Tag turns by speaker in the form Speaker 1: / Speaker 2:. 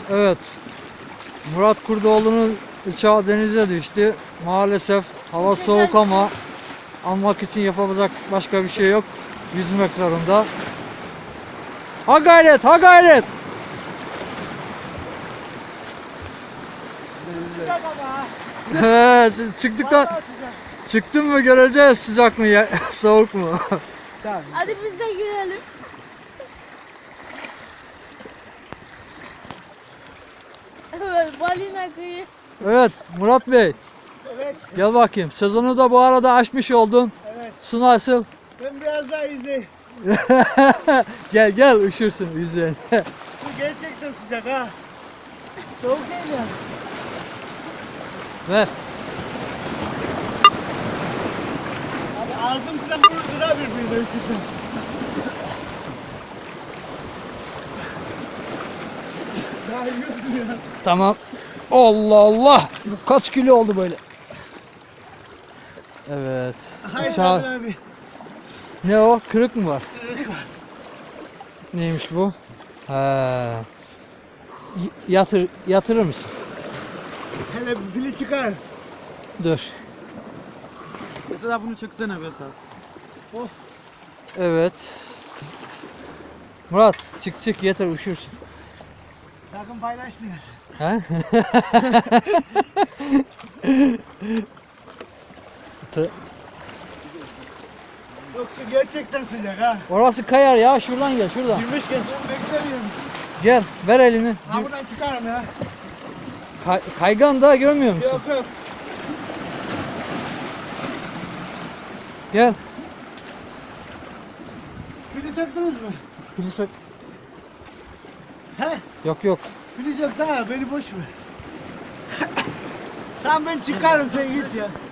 Speaker 1: Evet. Murat Kurdoğlu'nun uçağı denize düştü. Maalesef hava soğuk ama almak için yapabilecek başka bir şey yok. Yüzmek zorunda. Ha gayret, ha gayret. He, siz çıktın mı göreceğiz sıcak mı soğuk mu?
Speaker 2: Hadi biz de girelim. Evet, balina kıyı.
Speaker 1: Evet Murat Bey.
Speaker 3: Evet,
Speaker 1: Gel bakayım. Sezonu da bu arada aşmış oldun.
Speaker 3: evet.
Speaker 1: Su nasıl?
Speaker 3: Ben biraz daha izleyeyim.
Speaker 1: Gel gel üşürsün yüzeyim.
Speaker 3: Bu gerçekten sıcak ha. Soğuk değil yani.
Speaker 1: Ver.
Speaker 3: Abi ağzım falan vurur ha birbirine üşüsün. Daha yiyorsun biraz.
Speaker 1: Tamam. Allah Allah. Kaç kilo oldu böyle? Evet.
Speaker 3: Hayır
Speaker 1: Uçağı-
Speaker 3: abi.
Speaker 1: Ne o? Kırık mı var?
Speaker 3: Kırık var.
Speaker 1: Neymiş bu? Ha. Yatırır mısın?
Speaker 3: Hele pili çıkar.
Speaker 1: Dur.
Speaker 4: Mesela bunu çeksene mesela.
Speaker 3: Oh.
Speaker 1: Evet. Murat çık yeter üşürsün.
Speaker 3: Sakın paylaşmayasın.
Speaker 1: Ha?
Speaker 3: Yoksa gerçekten sıcak ha.
Speaker 1: Orası kayar ya, şuradan gel şuradan.
Speaker 3: Girmişken beklemiyorum.
Speaker 1: Gel ver elini.
Speaker 3: Ha buradan çıkarım ya.
Speaker 1: Kaygan da görmüyor musun?
Speaker 3: Yok yok.
Speaker 1: Gel.
Speaker 3: Pili söktünüz mü?
Speaker 1: Pili sök.
Speaker 3: He?
Speaker 1: Yok.
Speaker 3: Pili sök daha beni boş ver. Tamam ben çıkarım sen git ya.